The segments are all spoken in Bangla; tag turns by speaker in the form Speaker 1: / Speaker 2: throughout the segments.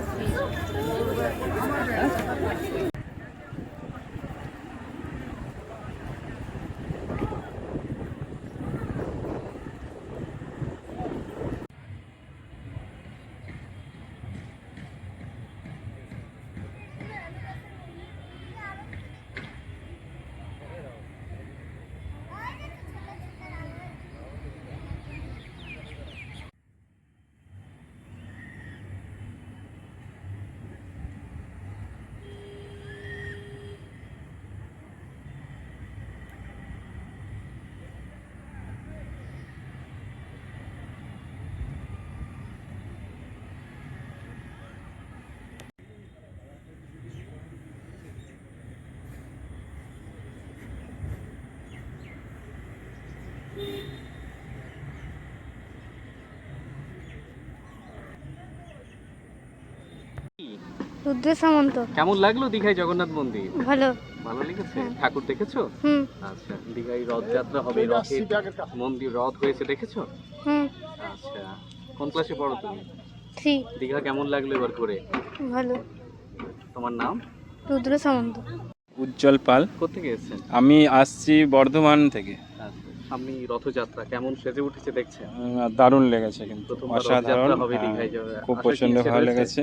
Speaker 1: রুদ্র সামন্ত।
Speaker 2: কেমন লাগলো দীঘায় জগন্নাথ মন্দির?
Speaker 1: ভালো।
Speaker 2: ভালো লেগেছে? ঠাকুর দেখেছো? আচ্ছা, দীঘায় রথযাত্রা হবে, মন্দির রথ হয়েছে, দেখেছো? আচ্ছা, কোন ক্লাসে পড়ো তুমি?
Speaker 1: 3।
Speaker 2: দীঘা কেমন লাগলো এবার ঘুরে?
Speaker 1: ভালো।
Speaker 2: তোমার নাম?
Speaker 1: রুদ্র সামন্ত।
Speaker 3: উজ্জ্বল পাল।
Speaker 2: কোথেকে এসেছেন?
Speaker 3: আমি আসছি বর্ধমান থেকে।
Speaker 2: আচ্ছা, সামনে রথযাত্রা, কেমন সেজে উঠেছে দেখছেন?
Speaker 3: দারুণ লেগেছে, কিন্তু
Speaker 2: প্রথমবার
Speaker 3: অসাধারণ।
Speaker 2: রথযাত্রা হবে দীঘায়,
Speaker 3: খুব
Speaker 2: আসার কি
Speaker 3: প্রচন্ড
Speaker 2: ইচ্ছে
Speaker 3: ভালো
Speaker 2: রয়েছে?
Speaker 3: লেগেছে।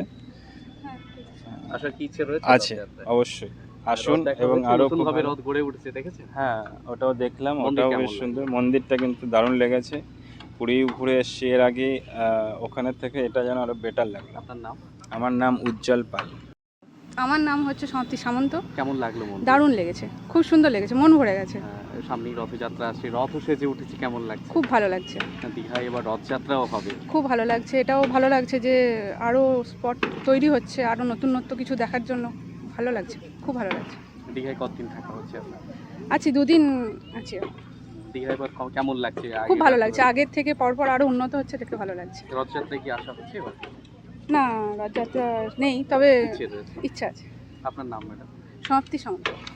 Speaker 2: আসার কি ইচ্ছে রয়েছে?
Speaker 3: আছে,
Speaker 2: রথযাত্রায়?
Speaker 3: অবশ্যই আসুন।
Speaker 2: রথ দেখা
Speaker 3: এবং
Speaker 2: হয়েছে,
Speaker 3: আরো
Speaker 2: নতুন
Speaker 3: খুব
Speaker 2: ভাবে
Speaker 3: ভালো।
Speaker 2: রথ গড়ে উঠেছে, দেখেছেন?
Speaker 3: হ্যাঁ, ওটাও দেখলাম,
Speaker 2: মন্দির
Speaker 3: ওটাও
Speaker 2: কেমন
Speaker 3: বেশ
Speaker 2: লাগলো?
Speaker 3: সুন্দর। মন্দিরটা কিন্তু দারুণ লেগেছে। পুরী ঘুরে এসছি এর আগে, ওখানের থেকে এটা যেন আরো বেটার লাগলো।
Speaker 2: আপনার নাম?
Speaker 3: আমার নাম উজ্জ্বল পাল।
Speaker 4: আমার নাম হচ্ছে সমাপ্তি সামন্ত।
Speaker 2: কেমন লাগলো মন্দির?
Speaker 4: দারুণ লেগেছে, খুব সুন্দর লেগেছে, মন ভরে গেছে।
Speaker 2: সামনেই রথযাত্রা আসছে, রথ সেজে উঠেছে, কেমন লাগছে?
Speaker 4: খুব ভালো লাগছে,
Speaker 2: দীঘায় এবার রথযাত্রাও হবে।
Speaker 4: খুব ভালো লাগছে। এটাও ভালো লাগছে যে আরও স্পট তৈরি হচ্ছে, আরও নতুনত্ব কিছু দেখার জন্য ভালো লাগছে, খুব ভালো লাগছে।
Speaker 2: দীঘায় কতদিন থাকা হচ্ছে আপনার?
Speaker 4: আছি, 2 দিন আছি।
Speaker 2: দীঘায় এবার কেমন লাগছে?
Speaker 4: খুব ভালো লাগছে, আগের থেকে পরপর আরও উন্নত হচ্ছে, দেখতে ভালো লাগছে।
Speaker 2: রথযাত্রায় কি আসা হচ্ছে এবার?
Speaker 4: না, রথযাত্রা নেই, তবে
Speaker 2: ইচ্ছে রয়েছে।
Speaker 4: ইচ্ছা আছে।
Speaker 2: আপনার নাম ম্যাডাম?
Speaker 4: সমাপ্তি সামন্ত।